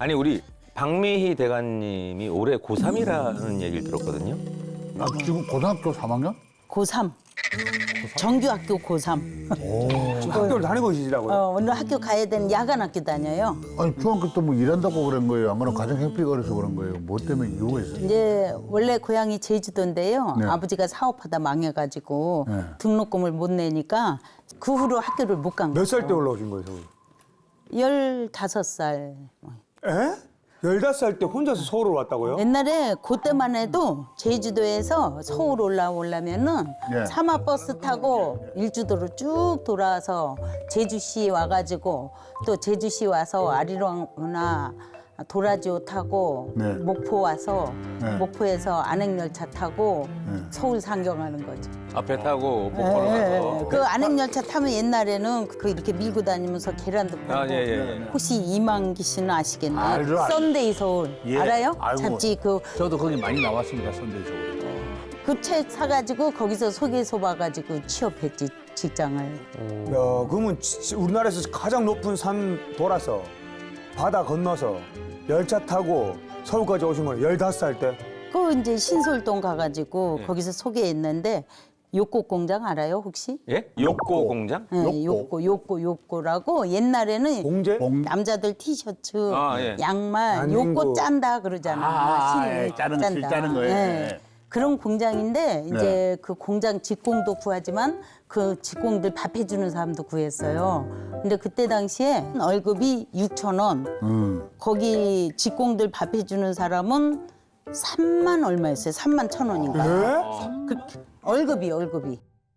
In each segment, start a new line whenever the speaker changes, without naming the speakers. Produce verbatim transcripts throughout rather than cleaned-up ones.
아니 우리 박미희 대감님이 올해 고삼이라는 얘기를 들었거든요.
아, 지금 고등학교 삼 학년?
고삼. 정규학교 고삼.
지금 학교를 다니고 계시더라고요.
어, 오늘 학교 가야 되는 야간 학교 다녀요.
아니, 중학교 때 뭐 일한다고 그런 거예요? 아무나 가정 형편이 어려서 그런 거예요? 뭐 때문에 이유가 있어요?
이제 원래 고향이 제주도인데요.
네.
아버지가 사업하다 망해가지고
네.
등록금을 못 내니까 그 후로 학교를 못 간 거예요.
몇 살 때 올라오신 거예요, 서울?
열다섯 살.
에? 열다섯 살 때 혼자서 서울을 왔다고요?
옛날에 그때만 해도 제주도에서 서울 올라오려면은
네.
사마버스 타고 일주도로 쭉 돌아와서 제주시 와가지고 또 제주시 와서 아리랑이나 도라지호 타고
네.
목포 와서
네.
목포에서 안행열차 타고
네.
서울 상경하는 거죠.
앞에 타고 목포로
예,
가서.
그 안행열차 타면 옛날에는 그 이렇게 밀고 다니면서 계란도 팔고.
아, 예, 예, 예.
혹시 이만기 씨는 아시겠나요?
알죠, 알죠.
썬데이 서울
예,
알아요?
알고.
잡지 그
저도 거기 많이 나왔습니다, 선대적으로.
그 책 사가지고 거기서 소개서 봐가지고 취업했지 직장을.
야, 그러면 지- 우리나라에서 가장 높은 산 돌아서 바다 건너서 열차 타고 서울까지 오신 거예요, 열다섯 살 때?
그 이제 신솔동 가가지고
네.
거기서 소개했는데 욕고 공장 알아요 혹시?
예? 욕고 공장?
네, 욕고 욕고 욕고라고 옛날에는
공제?
공-
남자들 티셔츠,
아, 예.
양말
아닌구.
욕고 짠다 그러잖아.
아,
신을
예, 짜는 거, 실 짜는 거예요. 예.
그런 공장인데 이제
네.
그 공장 직공도 구하지만 그 직공들 밥 해주는 사람도 구했어요. 근데 그때 당시에 월급이 육천 원.
음.
거기 직공들 밥 해주는 사람은 삼만 얼마였어요? 삼만 천 원인가?
에?
그렇게 월급이 월급이.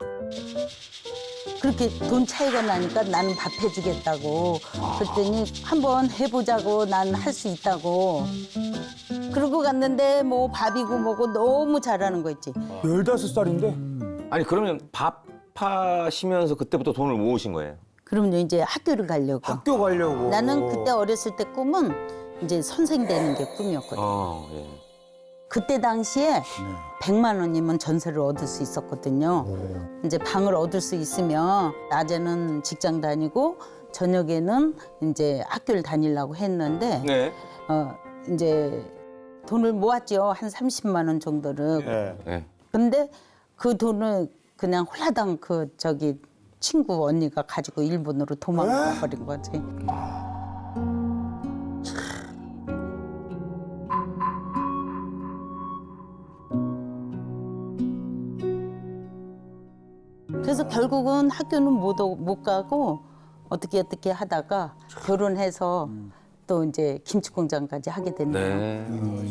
그렇게 돈 차이가 나니까 나는 밥 해주겠다고. 그랬더니 한번 해보자고 난 할 수 있다고. 그러고 갔는데 뭐 밥이고 뭐고 너무 잘하는 거 있지.
열다섯 살인데?
아니 그러면 밥 하시면서 그때부터 돈을 모으신 거예요?
그럼요 이제 학교를 가려고.
학교 가려고.
나는 그때 어렸을 때 꿈은 이제 선생 되는 게 꿈이었거든.
어, 예.
그때 당시에 백만 원이면 전세를 얻을 수 있었거든요. 이제 방을 얻을 수 있으면 낮에는 직장 다니고 저녁에는 이제 학교를 다니려고 했는데
네.
어 이제 돈을 모았죠. 한 삼십만 원 정도를.
예.
네.
근데 그 돈을 그냥 홀라당 그 저기 친구 언니가 가지고 일본으로 도망가 버린 거지. 그래서 결국은 학교는 못, 오- 못 가고 어떻게 어떻게 하다가 결혼해서 또 이제 김치 공장까지 하게 됐네요.
네.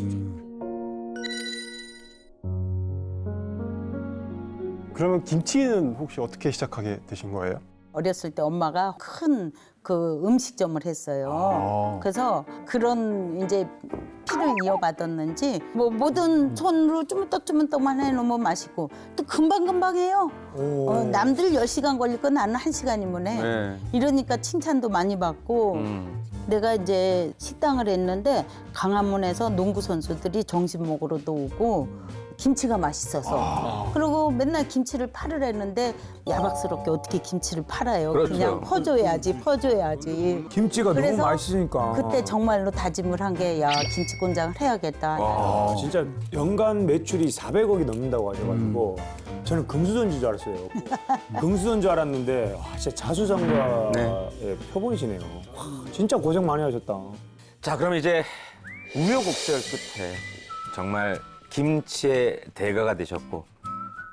그러면 김치는 혹시 어떻게 시작하게 되신 거예요?
어렸을 때 엄마가 큰 그 음식점을 했어요.
아.
그래서 그런 이제 피를 이어받았는지 뭐 모든 손으로 쭈물떡쭈물떡만 해놓으면 맛있고 또 금방금방 해요.
오.
어, 남들 열 시간 걸릴 거 나는 한 시간이면 해.
네.
이러니까 칭찬도 많이 받고
음.
내가 이제 식당을 했는데 강화문에서 농구 선수들이 점심 먹으러도 오고 김치가 맛있어서 그리고 맨날 김치를 팔을 했는데 야박스럽게 어떻게 김치를 팔아요?
그렇죠.
그냥 퍼줘야지 퍼줘야지.
김치가 너무
그래서
맛있으니까.
그때 정말로 다짐을 한 게 야 김치 공장을 해야겠다.
아, 진짜 연간 매출이 사백억이 넘는다고 하셔가지고
음.
저는 금수저인 줄 알았어요. 금수저인 줄 알았는데 와, 진짜 자수성가의
네.
표본이시네요. 와, 진짜 고생 많이 하셨다.
자, 그럼 이제 우여곡절 끝에 정말 김치의 대가가 되셨고